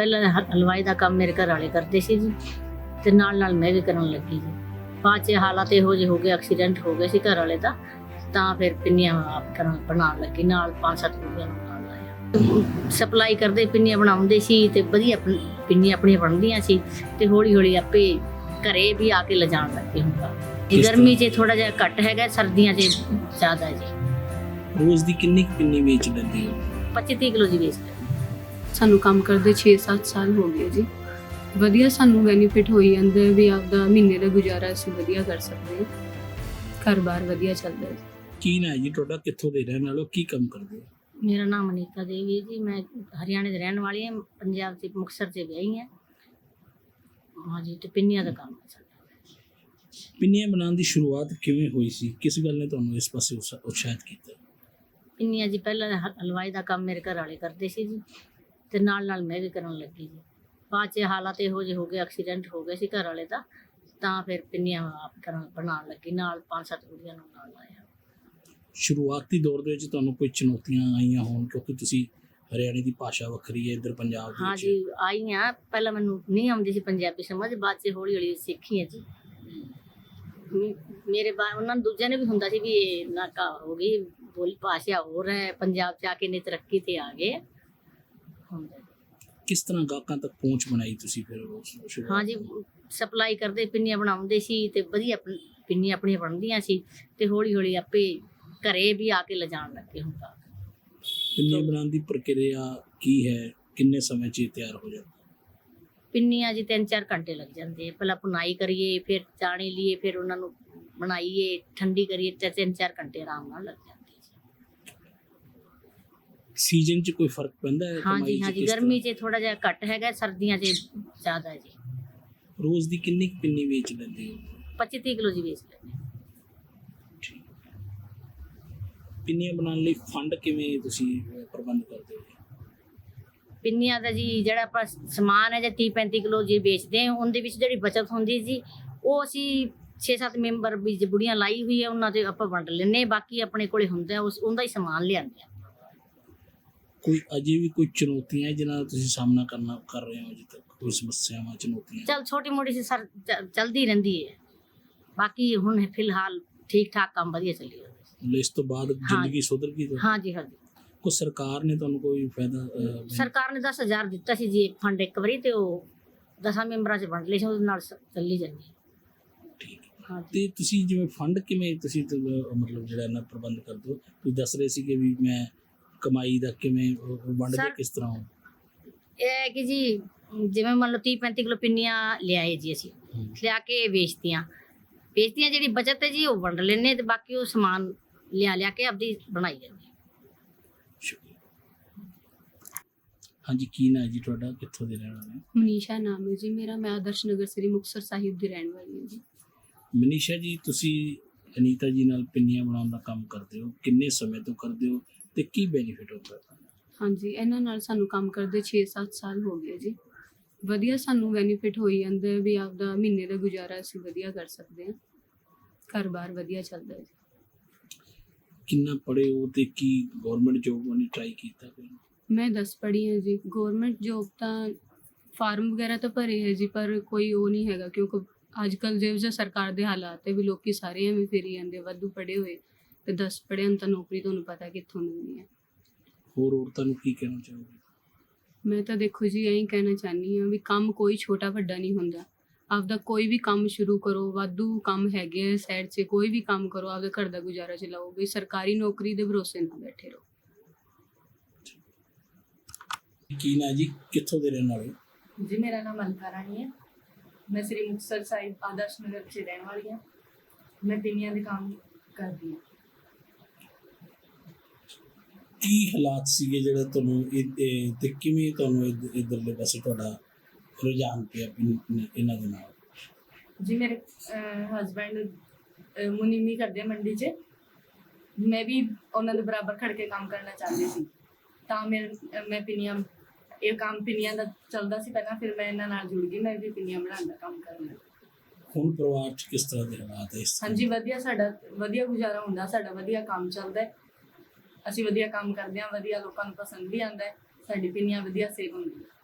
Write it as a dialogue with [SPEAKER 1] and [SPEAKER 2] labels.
[SPEAKER 1] ਪਹਿਲਾਂ ਹਲਵਾਈ ਦਾ ਕੰਮ ਮੇਰੇ ਘਰ ਵਾਲੇ ਕਰਦੇ ਸੀ ਜੀ, ਤੇ ਨਾਲ ਮੈਂ ਵੀ ਕਰਨ ਲੱਗੀ ਜੀ। ਬਾਅਦ 'ਚ ਹਾਲਾਤ ਇਹੋ ਜਿਹੇ ਹੋ ਗਏ, ਐਕਸੀਡੈਂਟ ਹੋ ਗਿਆ ਸੀ ਘਰ ਵਾਲੇ ਦਾ, ਤਾਂ ਫਿਰ ਪਿੰਨੀਆਂ ਆਪ ਬਣਾਉਣ ਲੱਗੀ, ਨਾਲ 5-7 ਰੁਪਏ ਨੂੰ ਨਾਲ ਲਾਇਆ। ਸਪਲਾਈ ਕਰਦੇ ਪਿੰਨੀਆਂ ਬਣਾਉਂਦੇ ਸੀ ਤੇ ਵਧੀਆ ਪਿੰਨੀਆਂ ਆਪਣੀਆਂ ਬਣਦੀਆਂ ਸੀ, ਤੇ ਹੌਲੀ ਹੌਲੀ ਆਪੇ ਘਰੇ ਵੀ ਆ ਕੇ ਲਿਜਾਣ ਲੱਗੇ ਹੁੰਦਾ। ਗਰਮੀ 'ਚ ਥੋੜਾ ਜਿਹਾ ਘੱਟ ਹੈਗਾ, ਸਰਦੀਆਂ 'ਚ ਜ਼ਿਆਦਾ ਜੀ।
[SPEAKER 2] ਰੋਜ਼ ਦੀ ਕਿੰਨੀ ਪਿੰਨੀ ਵੇਚ ਲੈਂਦੇ ਹੋ?
[SPEAKER 1] 25-30 ਕਿਲੋ ਜੀ ਵੇਚਦੇ।
[SPEAKER 3] ਸਾਨੂੰ ਕੰਮ ਕਰਦੇ 6-7 ਸਾਲ ਹੋ ਗਏ ਜੀ। ਵਧੀਆ ਸਾਨੂੰ ਬੈਨੀਫਿਟ ਹੋਈ ਜਾਂਦਾ ਵੀ ਆਪਦਾ ਮਹੀਨੇ ਦਾ ਗੁਜ਼ਾਰਾ ਅਸੀਂ ਵਧੀਆ ਕਰ ਸਕਦੇ ਹਾਂ, ਘਰ-ਬਾਰ ਵਧੀਆ ਚੱਲਦਾ ਹੈ।
[SPEAKER 2] ਕੀ ਨਾ ਜੀ ਤੁਹਾਡਾ, ਕਿੱਥੋਂ ਦੇ ਰਹਿਣ ਵਾਲੇ ਹੋ, ਕੀ ਕੰਮ ਕਰਦੇ ਹੋ?
[SPEAKER 1] ਮੇਰਾ ਨਾਮ ਅਨੀਤਾ ਦੇਵੀ ਹੈ ਜੀ, ਮੈਂ ਹਰਿਆਣੇ ਦੇ ਰਹਿਣ ਵਾਲੀ ਹਾਂ, ਪੰਜਾਬ ਦੇ ਮੁਕਤਸਰ 'ਚ ਵਿਆਹੀ ਹਾਂ। ਹਾਂਜੀ, ਤੇ ਪਿੰਨੀਆਂ ਦਾ ਕੰਮ ਹੈ ਸਾਡਾ।
[SPEAKER 2] ਪਿੰਨੀਆਂ ਬਣਾਉਣ ਦੀ ਸ਼ੁਰੂਆਤ ਕਿਵੇਂ ਹੋਈ ਸੀ? ਕਿਸ ਗੱਲ ਨੇ ਤੁਹਾਨੂੰ ਇਸ ਪਾਸੇ ਉਤਸ਼ਾਹਿਤ ਕੀਤਾ?
[SPEAKER 1] ਪਿੰਨੀਆਂ ਜੀ ਪਹਿਲਾਂ ਹਲਵਾਈ ਦਾ ਕੰਮ ਮੇਰੇ ਘਰ ਵਾਲੇ ਕਰਦੇ ਸੀ ਜੀ, ਤੇ ਨਾਲ ਮੈਂ ਵੀ ਕਰਨ ਲੱਗੀ ਜੀ। ਬਾਅਦ 'ਚ ਹਾਲਾਤ ਇਹੋ ਜਿਹੇ ਹੋ ਗਏ, ਐਕਸੀਡੈਂਟ ਹੋ ਗਿਆ ਸੀ ਘਰ ਵਾਲੇ ਦਾ, ਤਾਂ ਫਿਰ ਪਿੰਨੀਆਂ ਆਪ ਬਣਾਉਣ ਲੱਗੀ, ਨਾਲ 5-7 ਕੁੜੀਆਂ ਨੂੰ ਨਾਲ ਲਾਇਆ।
[SPEAKER 2] ਸ਼ੁਰੂਆਤੀ ਦੌਰ ਦੇ ਵਿੱਚ ਤੁਹਾਨੂੰ ਕੋਈ ਚੁਣੌਤੀਆਂ ਆਈਆਂ ਹੋਣ, ਕਿਉਂਕਿ ਤੁਸੀਂ ਹਰਿਆਣੇ ਦੀ ਭਾਸ਼ਾ ਵੱਖਰੀ ਹੈ, ਇੱਧਰ ਪੰਜਾਬ ਦੇ
[SPEAKER 1] ਹਾਂ
[SPEAKER 2] ਵਿੱਚ?
[SPEAKER 1] ਜੀ, ਆਈਆਂ। ਪਹਿਲਾਂ ਮੈਨੂੰ ਨਹੀਂ ਆਉਂਦੀ ਸੀ ਪੰਜਾਬੀ ਸਮਝ, ਬਾਅਦ 'ਚ ਹੌਲੀ ਹੌਲੀ ਸਿੱਖੀ ਹੈ ਜੀ। ਮੇਰੇ ਉਹਨਾਂ ਨੂੰ ਦੂਜਿਆਂ ਨੇ ਵੀ ਹੁੰਦਾ ਸੀ ਵੀ ਇਹ ਨਾਕਾ ਹੋ ਗਈ, ਬੋਲੀ ਭਾਸ਼ਾ ਹੋਰ ਹੈ, ਪੰਜਾਬ 'ਚ ਆ ਕੇ ਨੇ ਤਰੱਕੀ ਤੇ ਆ ਗਏ ਹੁੰਦਾ।
[SPEAKER 2] ਕਿਸ ਤਰ੍ਹਾਂ ਗਾਹਕਾਂ ਤੱਕ ਪਹੁੰਚ ਬਣਾਈ ਤੁਸੀਂ ਫਿਰ?
[SPEAKER 1] ਹਾਂ ਜੀ, ਸਪਲਾਈ ਕਰਦੇ ਪਿੰਨੀਆਂ ਬਣਾਉਂਦੇ ਸੀ, ਤੇ ਵਧੀਆ ਪਿੰਨੀਆਂ ਆਪਣੀਆਂ ਬਣਦੀਆਂ ਸੀ, ਤੇ ਹੌਲੀ ਹੌਲੀ ਆਪੇ ਘਰੇ ਵੀ ਆ ਕੇ ਲਿਜਾਣ ਲੱਗੇ ਹੁੰਦਾ।
[SPEAKER 2] ਪਿੰਨੀਆਂ ਬਣਾਉਣ ਦੀ ਪ੍ਰਕਿਰਿਆ ਕੀ ਹੈ? ਕਿੰਨੇ ਸਮੇਂ 'ਚ ਇਹ ਤਿਆਰ ਹੋ ਜਾਂਦਾ?
[SPEAKER 1] ਪਿੰਨੀਆਂ ਜੀ 3-4 ਘੰਟੇ ਲੱਗ ਜਾਂਦੇ। ਪਹਿਲਾਂ ਭੁਨਾਈ ਕਰੀਏ, ਫਿਰ ਚਾਣੀ ਲਈਏ, ਫਿਰ ਉਹਨਾਂ ਨੂੰ ਬਣਾਈਏ, ਠੰਡੀ ਕਰੀਏ, ਤੇ 3-4 ਘੰਟੇ ਆਰਾਮ ਨਾਲ ਲੱਗ ਜਾਂਦੇ ਜੀ।
[SPEAKER 2] ਸੀਜ਼ਨ 'ਚ ਕੋਈ ਫਰਕ ਪੈਂਦਾ ਹੈ?
[SPEAKER 1] ਹਾਂ ਜੀ, ਗਰਮੀ 'ਚ ਥੋੜਾ ਜਿਹਾ ਘੱਟ ਹੈਗਾ, ਸਰਦੀਆਂ 'ਚ ਜ਼ਿਆਦਾ ਹੈ ਜੀ।
[SPEAKER 2] ਰੋਜ਼ ਦੀ ਕਿੰਨੀ ਪਿੰਨੀ ਵੇਚ ਲੈਂਦੇ ਹੋ?
[SPEAKER 1] 25-30 ਕਿਲੋ ਜੀ ਵੇਚ ਲੈਂਦੇ।
[SPEAKER 2] ਪਿੰਨੀਆਂ ਬਣਾਉਣ ਲਈ ਫੰਡ ਕਿਵੇਂ ਤੁਸੀਂ ਪ੍ਰਬੰਧ ਕਰਦੇ ਹੋ?
[SPEAKER 1] ਪਿੰਨੀਆਂ ਦਾ ਜੀ ਜਿਹੜਾ ਆਪਾਂ ਸਮਾਨ ਹੈ, ਜਾਂ 30-35 ਕਿਲੋ ਜੀ ਵੇਚਦੇ ਹਾਂ, ਉਹਦੇ ਵਿੱਚ ਜਿਹੜੀ ਬਚਤ ਹੁੰਦੀ ਜੀ, ਉਹ ਅਸੀਂ 6-7 ਮੈਂਬਰ ਵੀ ਬੁੜੀਆਂ ਲਾਈ ਹੋਈ ਹੈ, ਉਹਨਾਂ ਦੇ ਆਪਾਂ ਵੰਡ ਲੈਂਦੇ। ਬਾਕੀ ਆਪਣੇ ਕੋਲੇ ਹੁੰਦਾ ਉਹਦਾ ਹੀ ਸਮਾਨ ਲਿਆਂਦੇ ਆ।
[SPEAKER 2] ਕੋਈ ਅਜੇ ਵੀ ਕੋਈ ਚੁਣੌਤੀਆਂ ਜਿਨ੍ਹਾਂ ਦਾ ਤੁਸੀਂ ਸਾਹਮਣਾ ਕਰ ਰਹੇ ਹੋ ਅਜੇ ਤੱਕ? ਕੋਈ ਸਮੱਸਿਆਵਾਂ, ਚੁਣੌਤੀਆਂ?
[SPEAKER 1] ਚੱਲ ਛੋਟੀ ਮੋਟੀ ਸੀ ਸਰ, ਚਲਦੀ ਰਹਿੰਦੀ ਹੈ। ਬਾਕੀ ਹੁਣ ਫਿਲਹਾਲ ਠੀਕ ਠਾਕ ਕੰਮ ਵਧੀਆ ਚੱਲੀ ਜਾਂਦਾ।
[SPEAKER 2] ਇਸ ਤੋਂ ਬਾਅਦ ਜ਼ਿੰਦਗੀ ਸੁਧਰ ਗਈ?
[SPEAKER 1] ਹਾਂ ਜੀ, ਹਾਂ ਜੀ।
[SPEAKER 2] ਕੋਈ ਸਰਕਾਰ ਨੇ ਤੁਹਾਨੂੰ ਕੋਈ ਫਾਇਦਾ?
[SPEAKER 1] ਸਰਕਾਰ ਨੇ 10,000 ਦਿੱਤਾ ਸੀ ਜੀ ਫੰਡ ਇੱਕ ਵਾਰੀ, ਤੇ ਉਹ 10 ਮੈਂਬਰਾਂ 'ਚ ਵੰਡ ਲਏ ਸੀ, ਉਹਦੇ ਨਾਲ ਚੱਲੀ ਜਾਂਦੀ।
[SPEAKER 2] ਠੀਕ ਹੈ।
[SPEAKER 1] ਹਾਂ
[SPEAKER 2] ਤੇ ਤੁਸੀਂ ਜਿਵੇਂ ਫੰਡ ਕਿਵੇਂ ਤੁਸੀਂ ਮਤਲਬ ਜਿਹੜਾ ਇਹਨਾਂ ਪ੍ਰਬੰਧ ਕਰਦੇ ਹੋ? ਤੁਸੀਂ ਦੱਸ ਰਹੇ ਸੀ ਕਿ ਵੀ ਮੈਂ ਕਮਾਈ ਦਾ ਕਿਵੇਂ ਵੰਡਦੇ, ਕਿਸ ਤਰ੍ਹਾਂ?
[SPEAKER 1] ਇਹ ਹੈ ਕਿ ਜੀ, ਜਿਵੇਂ ਮੰਨ ਲਓ 30-35 ਕਿਲੋ ਪਿੰਨੀਆਂ ਲਿਆਏ ਜੀ, ਅਸੀਂ ਲਿਆ ਕੇ ਵੇਚਤੀਆਂ। ਜਿਹੜੀ ਬਚਤ ਹੈ ਜੀ, ਉਹ ਵੰਡ ਲੈਂਦੇ, ਤੇ ਬਾਕੀ ਉਹ ਸਮਾਨ ਲਿਆ ਕੇ ਆਪਦੀ ਬਣਾਈ ਜਾਂਦੀ।
[SPEAKER 2] ਹਾਂਜੀ, ਕੀ ਨਾਂ ਹੈ ਜੀ ਤੁਹਾਡਾ, ਕਿੱਥੋਂ ਦੇ ਰਹਿਣ ਵਾਲੇ?
[SPEAKER 3] ਮਨੀਸ਼ਾ ਨਾਮ ਹੈ ਜੀ ਮੇਰਾ, ਮੈਂ ਆਦਰਸ਼ ਨਗਰ ਸ੍ਰੀ ਮੁਕਤਸਰ ਸਾਹਿਬ ਦੀ ਰਹਿਣ ਵਾਲੀ ਹਾਂ ਜੀ।
[SPEAKER 2] ਮਨੀਸ਼ਾ ਜੀ, ਤੁਸੀਂ ਅਨੀਤਾ ਜੀ ਨਾਲ ਪਿੰਨੀਆਂ ਬਣਾਉਣ ਦਾ ਕੰਮ ਕਰਦੇ ਹੋ, ਕਿੰਨੇ ਸਮੇਂ ਤੋਂ ਕਰਦੇ ਹੋ ਤੇ ਕੀ ਬੈਨੀਫਿਟ ਹੁੰਦਾ ਹੈ?
[SPEAKER 3] ਹਾਂਜੀ, ਇਹਨਾਂ ਨਾਲ ਸਾਨੂੰ ਕੰਮ ਕਰਦੇ 6-7 ਸਾਲ ਹੋ ਗਏ ਜੀ। ਵਧੀਆ ਸਾਨੂੰ ਬੈਨੀਫਿਟ ਹੋਈ ਜਾਂਦਾ ਵੀ ਆਪਦਾ ਮਹੀਨੇ ਦਾ ਗੁਜ਼ਾਰਾ ਅਸੀਂ ਵਧੀਆ ਕਰ ਸਕਦੇ ਹਾਂ, ਘਰ-ਬਾਰ ਵਧੀਆ ਚੱਲਦਾ ਹੈ ਜੀ।
[SPEAKER 2] ਕਿੰਨਾ ਪੜ੍ਹੇ ਹੋ ਤੇ ਕੀ ਗਵਰਨਮੈਂਟ ਜੋਬ ਉਹਨੇ ਟਰਾਈ ਕੀਤਾ ਕੋਈ?
[SPEAKER 3] ਮੈਂ 10 ਪੜ੍ਹੀ ਹਾਂ ਜੀ। ਗਵਰਨਮੈਂਟ ਜੋਬ ਤਾਂ ਫਾਰਮ ਵਗੈਰਾ ਤਾਂ ਭਰੇ ਹੈ ਜੀ, ਪਰ ਕੋਈ ਉਹ ਨਹੀਂ ਹੈਗਾ, ਕਿਉਂਕਿ ਅੱਜ ਕੱਲ੍ਹ ਜਿਹੋ ਜਿਹਾ ਸਰਕਾਰ ਦੇ ਹਾਲਾਤ ਹੈ ਵੀ ਲੋਕੀ ਸਾਰੇ ਐਵੇਂ ਫਿਰੀ ਜਾਂਦੇ, ਵਾਧੂ ਪੜ੍ਹੇ ਹੋਏ ਤੇ 10 ਪੜ੍ਹਿਆਂ ਨੂੰ ਤਾਂ ਨੌਕਰੀ ਤੁਹਾਨੂੰ ਪਤਾ ਕਿੱਥੋਂ ਮਿਲਣੀ ਹੈ।
[SPEAKER 2] ਹੋਰ ਔਰਤਾਂ ਨੂੰ ਕੀ ਕਹਿਣਾ ਚਾਹੋਗੇ?
[SPEAKER 3] ਮੈਂ ਤਾਂ ਦੇਖੋ ਜੀ, ਇਹੀ ਕਹਿਣਾ ਚਾਹੁੰਦੀ ਹਾਂ ਵੀ ਕੰਮ ਕੋਈ ਛੋਟਾ ਵੱਡਾ ਨਹੀਂ ਹੁੰਦਾ। ਆਪਦਾ ਕੋਈ ਵੀ ਕੰਮ ਸ਼ੁਰੂ ਕਰੋ, ਵਾਧੂ ਕੰਮ ਹੈਗੇ ਸਾਈਡ 'ਚ, ਕੋਈ ਵੀ ਕੰਮ ਕਰੋ, ਆਪਦੇ ਘਰ ਦਾ ਗੁਜ਼ਾਰਾ ਚਲਾਓ। ਵੀ ਸਰਕਾਰੀ ਨੌਕਰੀ ਦੇ ਭਰੋਸੇ ਨਾ ਬੈਠੇ ਰਹੋ।
[SPEAKER 2] ਕੀ ਨਾਂ ਜੀ, ਕਿੱਥੋਂ ਦੇ ਰਹਿਣ ਵਾਲੇ?
[SPEAKER 4] जी, मेरा नाम अलका रानी है। मैं श्री मुक्तसर साहिब आदर्श नगर से रहने वाली हूँ। मैं पिनिया का काम करती हूँ।
[SPEAKER 2] ਕੀ ਹਾਲਾਤ ਸੀਗੇ ਜਿਹੜਾ ਤੁਹਾਨੂੰ ਤੇ ਕਿਵੇਂ ਤੁਹਾਨੂੰ ਇੱਧਰਲੇ ਪਾਸੇ ਤੁਹਾਡਾ ਰੁਝਾਨ ਪਿਆ ਇਹਨਾਂ ਦੇ ਨਾਲ?
[SPEAKER 4] जी, मेरे हसबैंड मुनीमी करते हैं मंडी च। मैं भी उन्होंने बराबर खड़ के काम करना चाहती थी, ਤਾਂ मैं पिनिया ਇਹ ਕੰਮ ਪਿੰਨੀਆਂ ਦਾ ਚੱਲਦਾ ਸੀ ਪਹਿਲਾਂ, ਫਿਰ ਮੈਂ ਇਹਨਾਂ ਨਾਲ ਜੁੜ ਗਈ, ਮੈਂ ਵੀ ਪਿੰਨੀਆਂ ਬਣਾਉਣ ਦਾ ਕੰਮ ਕਰਨ ਲੱਗੀ।
[SPEAKER 2] ਹੁਣ ਪਰਿਵਾਰ 'ਚ ਕਿਸ ਤਰ੍ਹਾਂ ਦੇ ਹਾਲਾਤ ਹੈ?
[SPEAKER 4] ਹਾਂਜੀ, ਵਧੀਆ, ਸਾਡਾ ਵਧੀਆ ਗੁਜ਼ਾਰਾ ਹੁੰਦਾ, ਸਾਡਾ ਵਧੀਆ ਕੰਮ ਚੱਲਦਾ ਹੈ, ਅਸੀਂ ਵਧੀਆ ਕੰਮ ਕਰਦੇ ਹਾਂ, ਵਧੀਆ ਲੋਕਾਂ ਨੂੰ ਪਸੰਦ ਵੀ ਆਉਂਦਾ ਹੈ, ਸਾਡੀ ਪਿੰਨੀਆਂ ਵਧੀਆ ਸੇਲ ਹੁੰਦੀ ਹੈ।